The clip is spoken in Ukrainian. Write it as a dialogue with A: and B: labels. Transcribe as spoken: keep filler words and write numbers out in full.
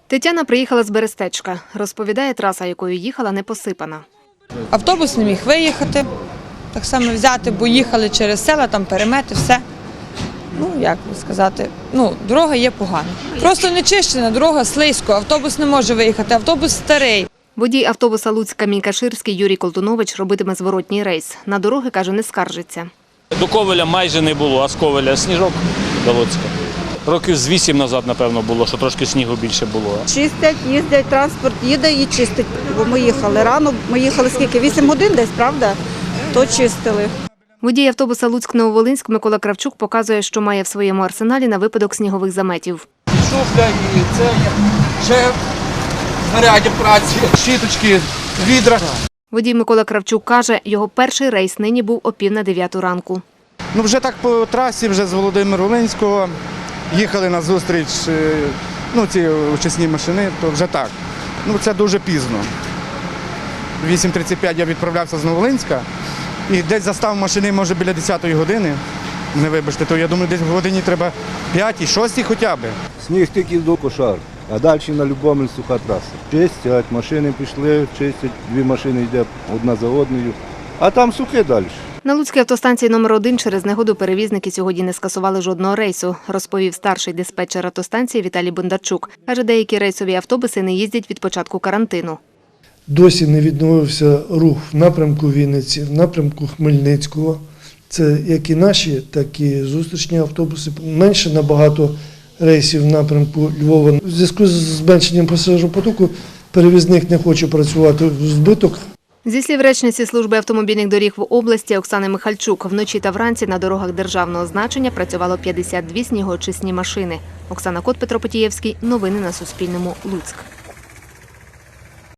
A: Тетяна приїхала з Берестечка. Розповідає, траса, якою їхала, не посипана.
B: Автобус не міг виїхати, так само взяти, бо їхали через села, там перемети, все. Ну, як би сказати, ну, дорога є погана. Просто не чищена, дорога слизько, автобус не може виїхати, автобус старий.
A: Водій автобуса Луцька-Мінькаширський Юрій Колтунович робитиме зворотній рейс. На дороги, каже, не скаржиться.
C: До Ковеля майже не було, а з Ковеля сніжок до Луцька. Років з вісім назад, напевно, було, що трошки снігу більше було.
D: Чистять, їздять, транспорт їде і чистить. Бо ми їхали рано, ми їхали скільки? вісім годин десь, правда? То чистили.
A: Водій автобуса Луцьк-Нововолинськ Микола Кравчук показує, що має в своєму арсеналі на випадок снігових заметів.
E: Шуфля і це ще знаряддя праці, щіточки, відра.
A: Водій Микола Кравчук каже, його перший рейс нині був о пів на дев'яту ранку.
E: Ну вже так по трасі, вже з Володимир-Волинського їхали на зустріч, ну ці очисні машини, то вже так. Ну це дуже пізно. вісім тридцять п'ять я відправлявся з Нововолинська і десь застав машини, може, біля десятої години. Не вибачте, то я думаю, десь в годині треба п'ятій, шостій хоча б.
F: Сніг тільки до Кошар, а далі на Любомль суха траса. Чистять, машини пішли, чистять, дві машини йде одна за одною, а там сухе далі.
A: На Луцькій автостанції номер один через негоду перевізники сьогодні не скасували жодного рейсу, розповів старший диспетчер автостанції Віталій Бондарчук. Каже, деякі рейсові автобуси не їздять від початку карантину.
G: Досі не відновився рух в напрямку Вінниці, в напрямку Хмельницького. Це як і наші, так і зустрічні автобуси. Менше набагато рейсів в напрямку Львова. У зв'язку з зменшенням пасажиропотоку перевізник не хоче працювати в збиток.
A: Зі слів речниці служби автомобільних доріг в області Оксани Михальчук, вночі та вранці на дорогах державного значення працювало п'ятдесят дві снігоочисні машини. Оксана Кот, Петро Потієвський. Новини на Суспільному. Луцьк.